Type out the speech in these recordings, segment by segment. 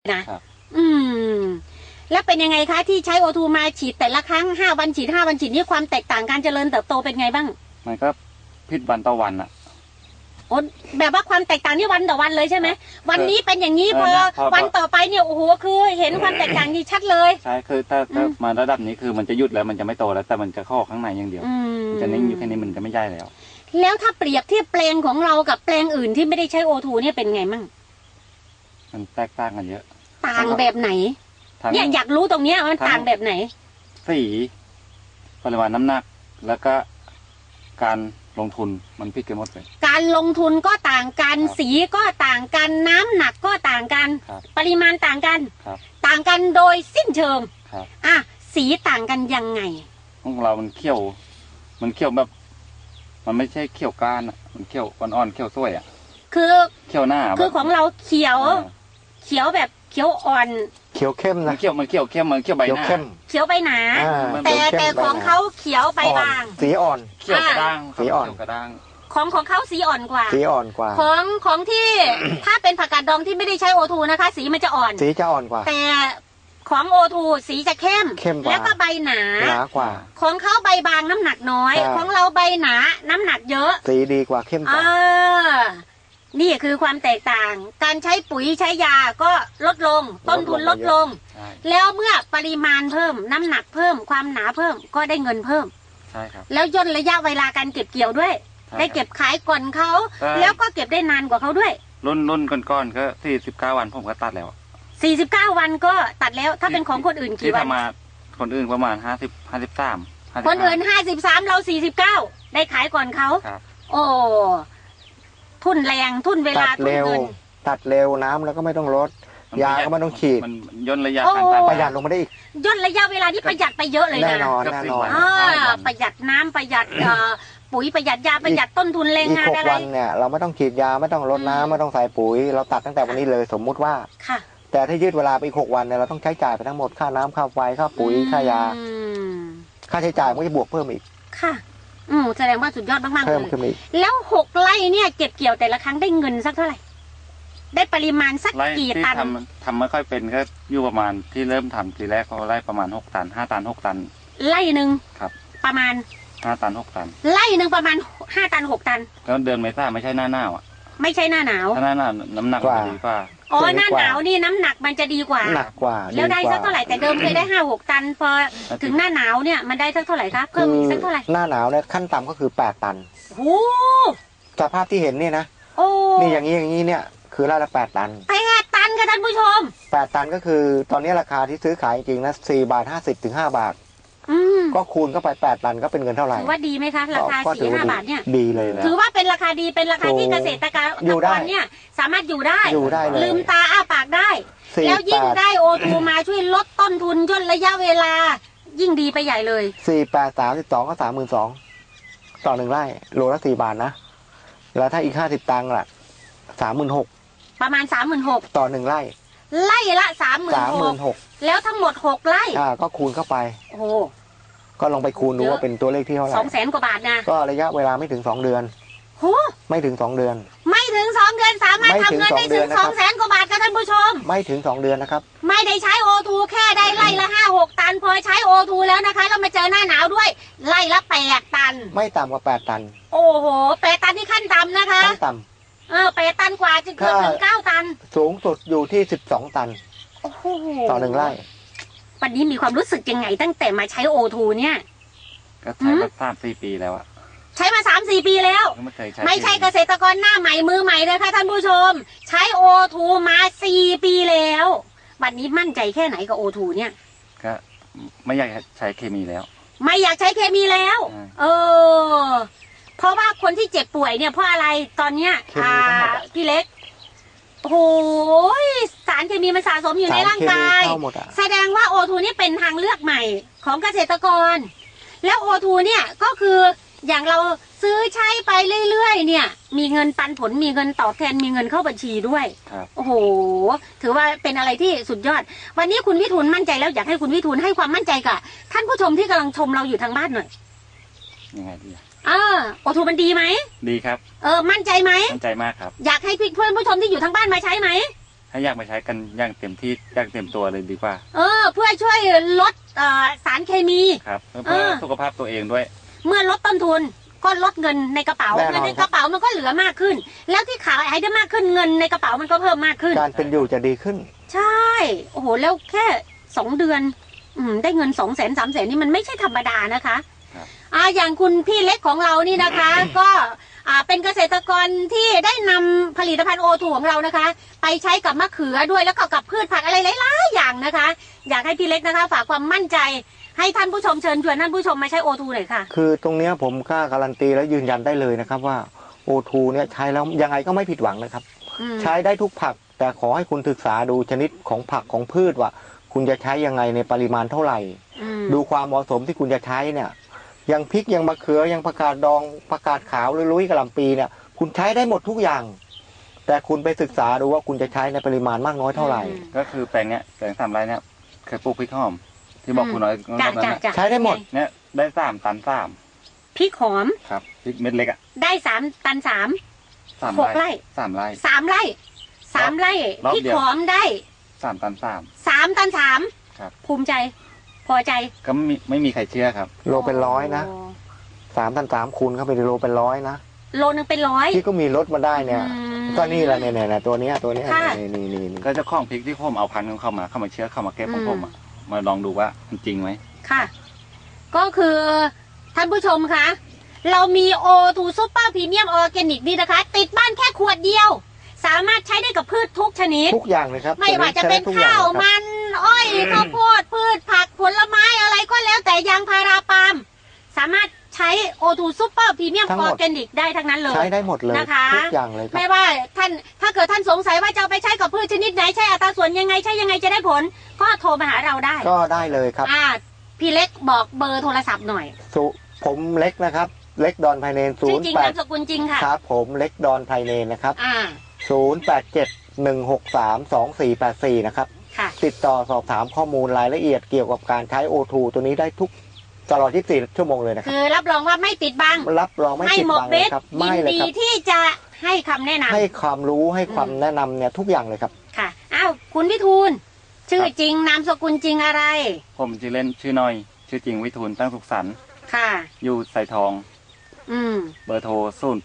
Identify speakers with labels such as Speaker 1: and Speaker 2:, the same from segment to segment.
Speaker 1: นะครับแล้วเป็นยังไงคะที่ใช้โอทูมาฉีดแต่ละครั้ง5 วันฉีด5 วันฉีดนี่ความแตกต่างการเจริญเติบโตเป็นไงบ้าง
Speaker 2: มันก็พิษวันต่อวันอะ
Speaker 1: โอ้แบบว่าความแตกต่างนี่วันต่อวันเลยใช่ไหมวันนี้เป็นอย่างนี้พอวันต่อไปเนี่ยโอ้โหคือเห็นความแตกต่างที่ชัดเลย
Speaker 2: ใช่คือถ้ามาระดับนี้คือมันจะหยุดแล้วมันจะไม่โตแล้วแต่มันจะเข้าข้างในอย่างเดียวมันจะนิ่งอยู่แค่นี้มันจะไม่ใหญ่แล้ว
Speaker 1: ถ้าเปรียบเทียบแปลงของเรากับแปลงอื่นที่ไม่ได้ใช้โอทูเนี่ยเป็นไงมั่ง
Speaker 2: มันแตกต่างกันเยอะ
Speaker 1: ต่างแบบไหนเนี่ยอยากรู้ตรงเนี้ยมันต่างแบบไหน
Speaker 2: สีปริมาณน้ำหนักแล้วก็การลงทุนมันผิดกันหมดเลย
Speaker 1: การลงทุนก็ต่างกันสีก็ต่างกันน้ำหนักก็ต่างกันปริมาณต่างกันต่างกันโดยสิ้นเชิงสีต่างกันยังไง
Speaker 2: ของเรามันเขียวแบบมันไม่ใช่เขียวก้านมันเขียวอ่อนๆเขียวสวย
Speaker 1: คือ
Speaker 2: เขียวหน้า
Speaker 1: คือของเราเขียวแบบเขียวอ่อน
Speaker 3: เขียวเข้มนะ
Speaker 2: มันเขียวเข้มมันเขียวใบหน้า
Speaker 1: เขียวใบหนาแต่ของเขาเขียวใบบาง
Speaker 3: สีอ่อน
Speaker 2: เขียวกระด้าง
Speaker 3: สีอ่อน
Speaker 2: กระด้าง
Speaker 1: ของเขาสีอ่อนกว่าของที่ถ้าเป็นผักกาดดองที่ไม่ได้ใช้โอทูนะคะสีมันจะอ่อน
Speaker 3: สีจะอ่อนกว่า
Speaker 1: แต่ของโอทูสีจะเข้มแล้วก็ใบหน
Speaker 3: ากว่า
Speaker 1: ของเขาใบบางน้ำหนักน้อยของเราใบหนาน้ำหนักเยอะ
Speaker 3: สีดีกว่าเข้มกว่า
Speaker 1: นี่คือความแตกต่างการใช้ปุ๋ยใช้ยาก็ลดลงต้นทุนลดลงแล้วเมื่อปริมาณเพิ่มน้ำหนักเพิ่มความหนาเพิ่มก็ได้เงินเพิ่ม
Speaker 2: ใช่ครับ
Speaker 1: แล้วย่นระยะเวลาการเก็บเกี่ยวด้วยได้เก็บขายก่อนเขาแล้วก็เก็บได้นานกว่าเขาด้วย
Speaker 2: รุ่นก่อนก็49 วันผมก็ตัดแล้ว
Speaker 1: 49 วันก็ตัดแล้วถ้าเป็นของคนอื่นกี่วัน
Speaker 2: มาคนอื่นประมาณ53
Speaker 1: คนอื่น53เรา49ได้ขายก่อนเขาโอ้ทุนแรงทุนเวลาทุนเงิน
Speaker 3: ตัดเร็วน้ำแล้วก็ไม่ต้องลดยาก็ไม่ต้องฉีด
Speaker 2: มันย่นระยะการตัด
Speaker 3: ประหยัดลงมาได้อีก
Speaker 1: ย่นระยะเวลาที่ประหยัดไปเยอะเลยนะ
Speaker 3: แน่นอน
Speaker 1: ประหยัดน้ำประหยัดปุ๋ยประหยัดยาประหยัดต้นทุนแรงงานอะไร
Speaker 3: อีก6 วันเนี่ยเราไม่ต้องฉีดยาไม่ต้องลดน้ำไม่ต้องใส่ปุ๋ยเราตัดตั้งแต่วันนี้เลยสมมุติว่าแต่ถ้ายืดเวลาไปอีก6 วันเนี่ยเราต้องใช้จ่ายไปทั้งหมดค่าน้ำค่าไฟค่าปุ๋ยค่ายาค่าใช้จ่ายมันก็จะบวกเพิ่มอีก
Speaker 1: ค่ะแสดงว่าสุดยอดมากๆเลยแล้ว6 ไร่เนี่ยเก็บเกี่ยวแต่ละครั้งได้เงินสักเท่าไหร่ได้ปริมาณสักกี่ตัน
Speaker 2: ทำไม่ค่อยเป็นก็อยู่ประมาณที่เริ่มทำทีแรกเขาไร่ประมาณ6 ตัน5 ตัน6 ตัน
Speaker 1: ไร่หนึ่ง
Speaker 2: ครับ
Speaker 1: ประมาณ
Speaker 2: 5 ตัน6 ตัน
Speaker 1: ไร่หนึ่งประมาณ5 ตัน6 ตัน
Speaker 2: แล้วเดือนเมษาไม่ใช่หน้าหนาว
Speaker 1: ไม่ใช่หน้าหนาว
Speaker 2: ถ้าหน้าหนาวน้ำหนักจะดีกว่า
Speaker 1: หน้าหนาวนี่น้ำหนักมันจะดีกว่า
Speaker 3: หนักกว่า
Speaker 1: แล้วได้สักเท่าไหร่แต่เดิมเคยได้5-6 ตันพอถึงหน้าหนาวเนี่ยมันได้สักเท่าไหร่ครับเพิ่มอีกสักเท่าไหร่
Speaker 3: หน้าหนาวเนี่ยขั้นต่ำก็คือ8 ตัน
Speaker 1: โอ้
Speaker 3: สภาพที่เห็นนี่นะนี่อย่างนี้เนี่ยคือไร่ละ8 ตัน
Speaker 1: 8 ตันค่ะท่านผู้ชม
Speaker 3: 8 ตันก็คือตอนนี้ราคาที่ซื้อขายจริงๆนะ4.50 ถึง 5 บาทก็คูณเข้าไป8 ตันก็เป็นเงินเท่าไหร่
Speaker 1: ถือว่าดีไหมคะราคา4-5 บาทเนี่ย
Speaker 3: ดีเลย
Speaker 1: ถือว่าเป็นราคาดีเป็นราคาที่เกษตรกรเนี่ยสามารถอยู่ได้ลืมตาอ้าปากได้แล้วยิ่งได้โอทูมาช่วยลดต้นทุนย่นระยะเวลายิ่งดีไปใหญ่เลย
Speaker 3: 4.8 32ก็32,000ต่อ1 ไร่โลละ4 บาทนะแล้วถ้าอีก50 ตังค์ล่ะ36,000
Speaker 1: ประมาณ36,000
Speaker 3: ต่อ1 ไร่
Speaker 1: ไร่ละ36,000แล้วทั้งหมด6 ไร่
Speaker 3: ก็คูณเข้าไป
Speaker 1: โอ้
Speaker 3: ก็ลองไปคูณดูว่าเป็นตัวเลขที่เท่าไหร่
Speaker 1: 200,000 กว่าบาทนะ
Speaker 3: ก็ระยะเวลาไม่ถึง2 เดือนไม่ถึง2 เดือน
Speaker 1: ไม่ถึง2 เดือนสามารถทำเงินได้ถึง200,000 กว่าบาทค่ะท่านผู้ชม
Speaker 3: ไม่ถึง2 เดือนนะครับ
Speaker 1: ไม่ได้ใช้โอทูแค่ได้ไร่ละ5-6 ตันพอใช้โอทูแล้วนะคะเรามาเจอหน้าหนาวด้วยไร่ละ8 ตัน
Speaker 3: ไม่ต่ำกว่า8 ตัน
Speaker 1: โอ้โห8 ตันที่ขั้นต่ำนะคะ
Speaker 3: ขั้นต่
Speaker 1: ำ8 ตันกว่าจะเกือบถึง9 ตัน
Speaker 3: สูงสุดอยู่ที่12 ตันต่อ1 ไร่
Speaker 1: วันนี้มีความรู้สึกยังไงตั้งแต่มาใช้โอทูเนี่ย
Speaker 2: ก็ใช้มา3-4 ปีแล้ว
Speaker 1: ใช้มา3-4 ปีแล้วไม่ใช่เกษตรกรหน้าใหม่มือใหม่เลยค่ะท่านผู้ชมใช้โอทูมา4 ปีแล้ววันนี้มั่นใจแค่ไหนกับโอทูเนี่ย
Speaker 2: ก็ไม่อยากใช้เคมีแล้ว
Speaker 1: ไม่อยากใช้เคมีแล้วเพราะว่าคนที่เจ็บป่วยเนี่ยเพราะอะไรตอนเนี้ยพี่เล็กโอ้โหสารเคมีมันสะสมอยู่ในร่างกายแสดงว่าโอทูนี่เป็นทางเลือกใหม่ของเกษตรกรแล้วโอทูเนี่ยก็คืออย่างเราซื้อใช้ไปเรื่อยๆเนี่ยมีเงินปันผลมีเงินตอบแทนมีเงินเข้าบัญชีด้วยโอ้โหถือว่าเป็นอะไรที่สุดยอดวันนี้คุณวิทูลมั่นใจแล้วอยากให้คุณวิทูลให้ความมั่นใจกับท่านผู้ชมที่กำลังชมเราอยู่ทางบ้านหน่อย
Speaker 2: ยังไงดี
Speaker 1: โอทูมันดีไหม
Speaker 2: ดีครับ
Speaker 1: มั่นใจไหม
Speaker 2: มั่นใจมากครับ
Speaker 1: อยากให้เพื่อนผู้ชมที่อยู่ทางบ้านมาใช้ไหม
Speaker 2: ถ้าอยากมาใช้กันอย่างเต็มที่อย่างเต็มตัวเลยดีกว่า
Speaker 1: เพื่อช่วยลดสารเคมี
Speaker 2: ครับเพื่อสุขภาพตัวเองด้วย
Speaker 1: เมื่อลดต้นทุนก็ลดเงินในกระเป๋า
Speaker 3: แน่นอน
Speaker 1: เงินในกระเป๋ามันก็เหลือมากขึ้น แล้วที่ขายได้มากขึ้นเงินในกระเป๋ามันก็เพิ่มมากขึ้น
Speaker 3: การเป็นอยู่จะดีขึ้น
Speaker 1: ใช่โอ้โหแล้วแค่2 เดือนได้เงิน200,000 300,000นี่มันไม่ใช่ธรรมดานะคะอย่างคุณพี่เล็กของเรานี่นะคะ ก็เป็นเกษตรกรที่ได้นำผลิตภัณฑ์โอทูของเรานะคะ ไปใช้กับมะเขือด้วยแล้วก็กับพืชผักอะไรหลายๆอย่างนะคะ อยากให้พี่เล็กนะคะ ฝากความมั่นใจให้ท่านผู้ชมเชิญชวนท่านผู้ชมมาใช้โอทูหน่อยค่ะ
Speaker 3: คือตรงเนี้ยผมกล้าการันตีและยืนยันได้เลยนะครับว่าโอทูเนี่ยใช้แล้วยังไงก็ไม่ผิดหวังนะครับใช้ได้ทุกผักแต่ขอให้คุณศึกษาดูชนิดของผักของพืชว่าคุณจะใช้ยังไงในปริมาณเท่าไหร่ดูความเหมาะสมที่คุณจะใช้เนี่ยอย่างพริกอย่างมะเขืออย่างผักกาดดองผักกาดขาวหรือลุยกระหล่ำปีเนี่ยคุณใช้ได้หมดทุกอย่าง แต่คุณไปศึกษาดูว่าคุณจะใช้ในปริมาณมากน้อยเท่าไหร่
Speaker 2: ก็คือแปลงเนี้ยแปลง3 ไร่เนี่ยเคยปลูกพริกหอมที่บอกคุณน้อยรอบนั้นนะ
Speaker 3: ใช้ได้หมด
Speaker 2: เนี่ยได้3 ตัน
Speaker 1: พริกหอม
Speaker 2: ครับพริกเม็ดเล็กอ่ะ
Speaker 1: ได้3 ตัน 3 6 ไร่
Speaker 2: 3 ไร่
Speaker 1: 3 ไร่3 ไร่พริกหอมได้
Speaker 2: 3 ตัน
Speaker 1: 3 ตัน 3
Speaker 2: ครับ
Speaker 1: ภูมิใจพอใจ
Speaker 2: ก็ไม่มีใครเชื่อครับ
Speaker 3: โลเป็นร้อยนะ3 ตัน 3คูณเข้าไปในโลเป็นร้อยนะ
Speaker 1: โลนึงเป็นร้อย
Speaker 3: ที่ก็มีรถมาได้เนี่ยก็นี่แหละเนี่ยตัวเนี้ยนี่
Speaker 2: ก็เจ้าของพริกที่ผมเอาพันธุ์ของเข้ามาเชื่อเข้ามาเก็บของผมมาลองดูว่ามันจริงไหม
Speaker 1: ค่ะก็คือท่านผู้ชมคะเรามีโอทูซูเปอร์พรีเมียมออร์แกนิกนี่นะคะติดบ้านแค่ขวดเดียวสามารถใช้ได้กับพืชทุกชนิด
Speaker 3: ทุกอย่างเลยครับ
Speaker 1: ไม่ว่าจะเป็นข้าวมันอ้อยข้าวโพดพืชผักผลไม้อะไรก็แล้วแต่ยางพาราปาล์มสามารถใช้โอทูซูเปอร์พรีเมียมออร์แกนิกได้ทั้งนั้นเลย
Speaker 3: ใช้ได้หมดเลย
Speaker 1: นะคะ
Speaker 3: ทุกอย่างเลยครับ
Speaker 1: ไม่ว่าท่านถ้าเกิดท่านสงสัยว่าจะเอาไปใช้กับพืชชนิดไหนใช้อัตราส่วนยังไงใช้ยังไงจะได้ผลก็โทรมาหาเราได้
Speaker 3: ก็ได้เลยครับ
Speaker 1: พี่เล็กบอกเบอร์โทรศัพท์หน่อย
Speaker 3: ผมเล็กนะครับเล็กดอนไพเนน
Speaker 1: ชื่อจริงนามสกุลจริงค่ะ
Speaker 3: ครับผมเล็กดอนไพเนนนะครับ0871632484นะครับติดต่อสอบถามข้อมูลรายละเอียดเกี่ยวกับการใช้โอทูตัวนี้ได้ทุกตลอด24 ชั่วโมงเลยนะครับ
Speaker 1: คือรับรองว่าไม่ปิดบัง
Speaker 3: รับรองไม่ปิดบังเลยครับ
Speaker 1: ยินดีที่จะให้คำแนะนำ
Speaker 3: ให้ความรู้ให้ความแนะนำเนี่ยทุกอย่างเลยครับ
Speaker 1: ค่ะคุณวิทูลชื่อจริงนามสกุลจริงอะไร
Speaker 2: ผมชื่อเล่นชื่อน้อยชื่อจริงวิทูลตั้งสุขสันต์
Speaker 1: ค่ะ
Speaker 2: อยู่ไสทองเบอร์โทร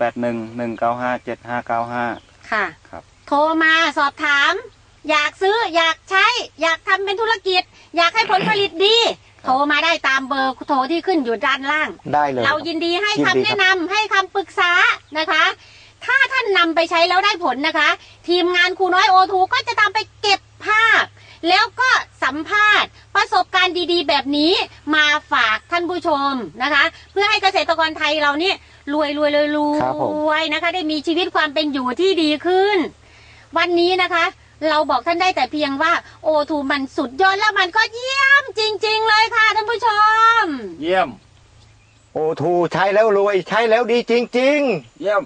Speaker 2: 0811957595
Speaker 1: ค่ะครับโทรมาสอบถามอยากซื้ออยากใช้อยากทำเป็นธุรกิจอยากให้ผลผลิตดีโทรมาได้ตามเบอร์โทรที่ขึ้นอยู่ด้านล่าง
Speaker 3: ได้เลย
Speaker 1: เรายินดีให้คำแนะนำให้คำปรึกษานะคะถ้าท่านนำไปใช้แล้วได้ผลนะคะทีมงานครูน้อยโอทูก็จะตามไปเก็บภาพแล้วก็สัมภาษณ์ประสบการณ์ดีๆแบบนี้มาฝากท่านผู้ชมนะคะเพื่อให้เกษตรกรไทยเราเนี่ยรวยนะคะได้มีชีวิตความเป็นอยู่ที่ดีขึ้นวันนี้นะคะเราบอกท่านได้แต่เพียงว่าโอทูมันสุดยอดแล้วมันก็เยี่ยมจริงๆเลยค่ะท่านผู้ชม
Speaker 2: เยี่ยม
Speaker 3: โอทูใช้แล้วรวยใช้แล้วดีจริงๆ
Speaker 2: เยี่ยม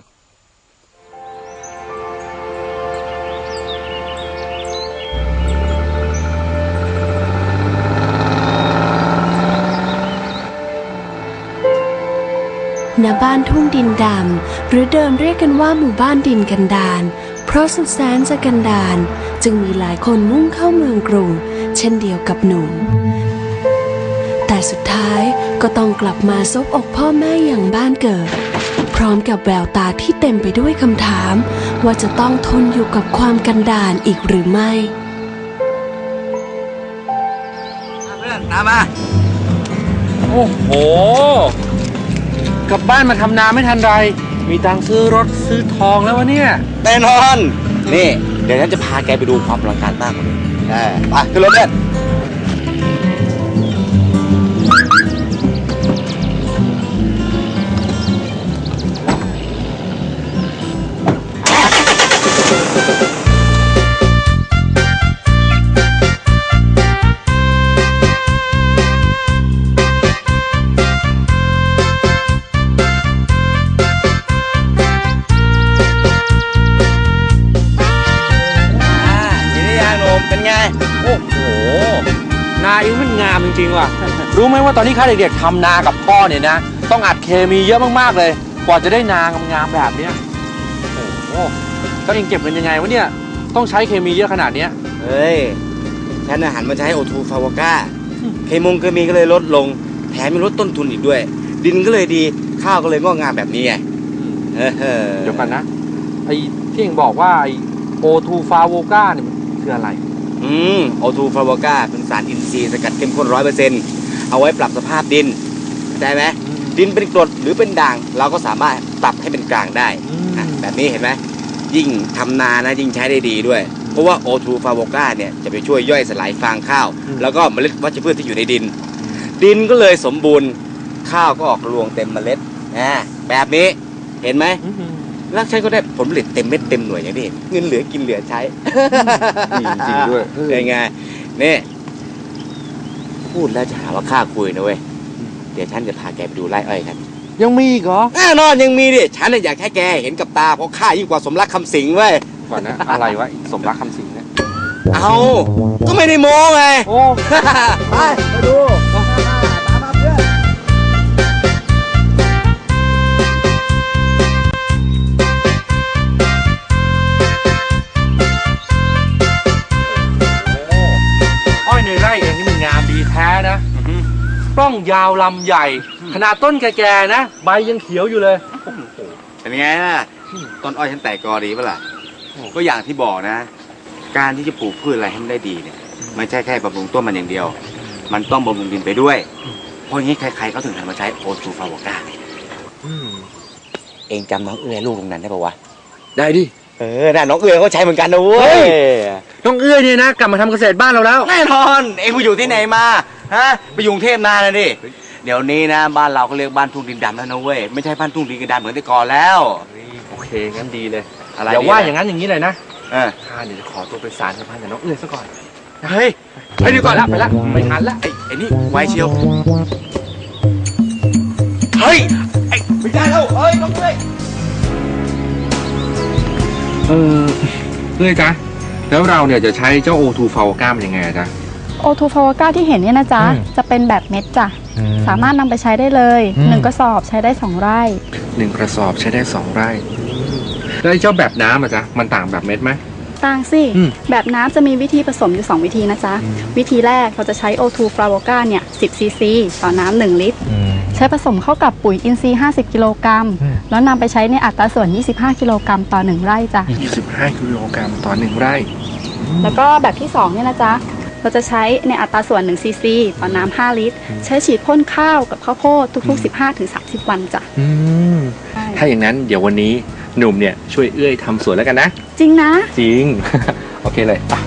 Speaker 4: ณบ้านทุ่งดินดำหรือเดิมเรียกกันว่าหมู่บ้านดินกันดารเพราะสุดแสนจะกันดารจึงมีหลายคนมุ่งเข้าเมืองกรุงเช่นเดียวกับหนุ่มแต่สุดท้ายก็ต้องกลับมาซบอกพ่อแม่อย่างบ้านเกิดพร้อมกับแววตาที่เต็มไปด้วยคำถามว่าจะต้องทนอยู่กับความกันดารอีกหรือไม่
Speaker 5: เพื่อนตามมาโอ้โหกลับบ้านมาทำนาไม่ทันไรมีตังค์ซื้อรถซื้อทองแล้ววะเนี่ย
Speaker 6: แน่นอนนี่เดี๋ยวฉันจะพาแกไปดูความอลังการมากกว่านี้ไปขึ้นรถเพื่อน
Speaker 5: นาเองมันงามจริงๆว่ะ รู้ไหมว่าตอนนี้ข้าเด็กๆทำนากับพ่อเนี่ยนะต้องอัดเคมีเยอะมากๆเลยกว่าจะได้นางามๆแบบเนี้ยโอ้โหก็เองเก็บเงินยังไงวะเนี่ยต้องใช้เคมีเยอะขนาดเนี้ย
Speaker 6: เฮ้ย ฉันหันมาใช้โอทูฟาวก้าเคมีก็เลยลดลง แถมยังลดต้นทุนอีกด้วย ดินก็เลยดี ข้าวก็เลยงอกงามแบบนี้ไง
Speaker 5: เดี๋ยวกันนะ ไอ้ที่เองบอกว่าไอ้โอทูฟาโวก้าเนี่ยมันคืออะไร
Speaker 6: โอทูฟาวก้าเป็นสารอินทรีย์สกัดเข้มข้น100%เอาไว้ปรับสภาพดินเข้าใจไหมดินเป็นกรดหรือเป็นด่าง เราก็สามารถปรับให้เป็นกลางได้แบบนี้เห็นไหมยิ่งทำนานะยิ่งใช้ได้ดีด้วย เพราะว่าโอทูฟาวก้าเนี่ยจะไปช่วยย่อยสลายฟางข้าว แล้วก็เมล็ดวัชพืชที่อยู่ในดิน ดินก็เลยสมบูรณ์ข้าวก็ออกรวงเต็มเมล็ดแบบนี้เห็นไหมแล้วฉันก็ได้ผลผลิตเต็มเม็ดเต็มหน่วยอย่างนี้เงินเหลือกินเหลือใช้
Speaker 5: จริงๆด้วย
Speaker 6: เป็นไงนี่พูดแล้วจะหาว่าข้าคุยนะเว้ยเดี๋ยวฉันจะพาแกไปดูไร่อ้อยกัน
Speaker 5: ยังมีอีกเหรอ
Speaker 6: แน่นอนยังมีดิฉันอยากให้แกเห็นกับตาเพราะข้ายิ่งกว่าสมรักคำสิงเว้ย
Speaker 5: ก่อนนะ อะไรวะสมรักคำสิงเนี่ย
Speaker 6: เอาก็ไม่ได้โม้ไง
Speaker 5: โอ้
Speaker 6: ไปมาดูตามมาเพื่อน
Speaker 5: อ้อยในไร่เองนี่มันงามดีแท้นะปล้องยาวลำใหญ่ ขนาดต้นแก่ๆนะ ใบยังเขียวอยู่เลย
Speaker 6: เป็นไงล่ะต้นอ้อยฉันแตกกอดีปะล่ะก็อย่างที่บอกนะ การที่จะปลูกพืชอะไรให้มันได้ดีเนี่ยไม่ใช่แค่บำรุงต้นมันอย่างเดียว มันต้องบำรุงดินไปด้วย เพราะงี้ใครๆเขาถึงหันมาใช้โอทูฟาวก้าเองจำน้องเอื้อยลูกตรงนั้นได้ปะวะ
Speaker 5: ได้ดิ
Speaker 6: น่ะน้องเอื้อยเขาใช้เหมือนกันนะเว้ย
Speaker 5: น้องเอื้อยเนี่ยนะกลับมาทำเกษตรบ้านเราแล้ว
Speaker 6: แน่นอนเองไปอยู่ที่ไหนมาฮะไปอยู่กรุงเทพนานแล้วดิเดี๋ยวนี้นะบ้านเราก็เรียกบ้านทุ่งดินดำแล้วนะเว้ยไม่ใช่บ้านทุ่งดินกระดานเหมือนแต่ก่อนแล้ว
Speaker 5: โอเคงั้นดีเลย
Speaker 6: อะไร
Speaker 5: อย่าว่าอย่างนั้นอย่างนี้เลยนะ
Speaker 6: เออ
Speaker 5: ข้าเนี่ยจะขอตัวไปสารสัมพันธ์กับน้องเอื้อยซะก่อน
Speaker 6: เฮ้ย
Speaker 5: ไปดีก่อนละไปละไม่ทันละ
Speaker 6: ไอ้นี่ไวเชียวเฮ้ยไอ้ไม่ได้แล้วเฮ้ยน้องเอ้ย
Speaker 5: เอื้อยจ๊ะแล้วเราเนี่ยจะใช้เจ้าโอทูฟาวก้ามันยังไงจ๊ะ
Speaker 7: โอทูฟาวก้าที่เห็นเนี่ยนะจ๊ะ จะเป็นแบบเม็ดจ้ะ สามารถนำไปใช้ได้เลย1 กระสอบใช้ได้ 2 ไร่
Speaker 5: 1 กระสอบใช้ได้ 2 ไร่แล้วไอ้เจ้าแบบน้ำอะจ๊ะมันต่างแบบเม็ดไหม
Speaker 7: ต่างสิ แบบน้ำจะมีวิธีผสมอยู่ 2 วิธีนะจ๊ะ วิธีแรกเราจะใช้โอทูฟาวก้าเนี่ย10 ซีซีต่อน้ำ1 ลิตร ใช้ผสมเข้ากับปุ๋ยอินทรีย์50 กิโลกรัมแล้วนำไปใช้ในอัตราส่วน25 กิโลกรัมต่อ1 ไร่จ้ะ
Speaker 5: 25 กิโลกรัมต่อ 1 ไร่
Speaker 7: แล้วก็แบบที่2เนี่ยนะจ๊ะเราจะใช้ในอัตราส่วน1 ซีซีต่อน้ำ5 ลิตร ใช้ฉีดพ่นข้าวกับข้าวโพดทุกๆ 15-30 วันจ้ะ
Speaker 5: ถ้าอย่างนั้นเดี๋ยววันนี้หนุ่มเนี่ยช่วยเอื้อยทำสวนแล้วกันนะ
Speaker 7: จริงนะ
Speaker 5: จริง โอเคเลยไป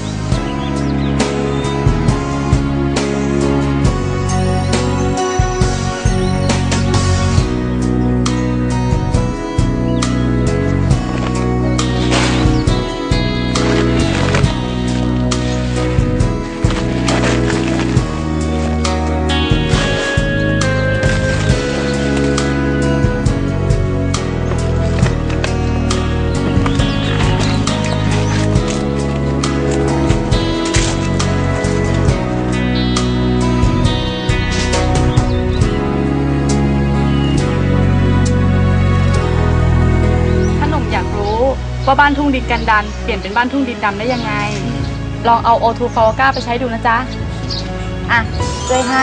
Speaker 7: ถ้าหนุ่มอยากรู้ว่าบ้านทุ่งดินกันดานเปลี่ยนเป็นบ้านทุ่งดินดำได้ยังไง ลองเอาโอทูฟาวก้าไปใช้ดูนะจ๊ะ อ่ะช่วยให้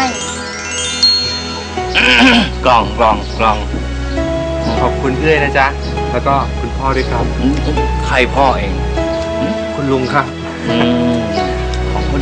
Speaker 6: กล่อง
Speaker 5: ขอบคุณเอื้อยนะจ๊ะ แล้วก็คุณพ่อด้วยครับ
Speaker 6: ใครพ่อเอง
Speaker 5: คุณลุงครับ
Speaker 6: อืม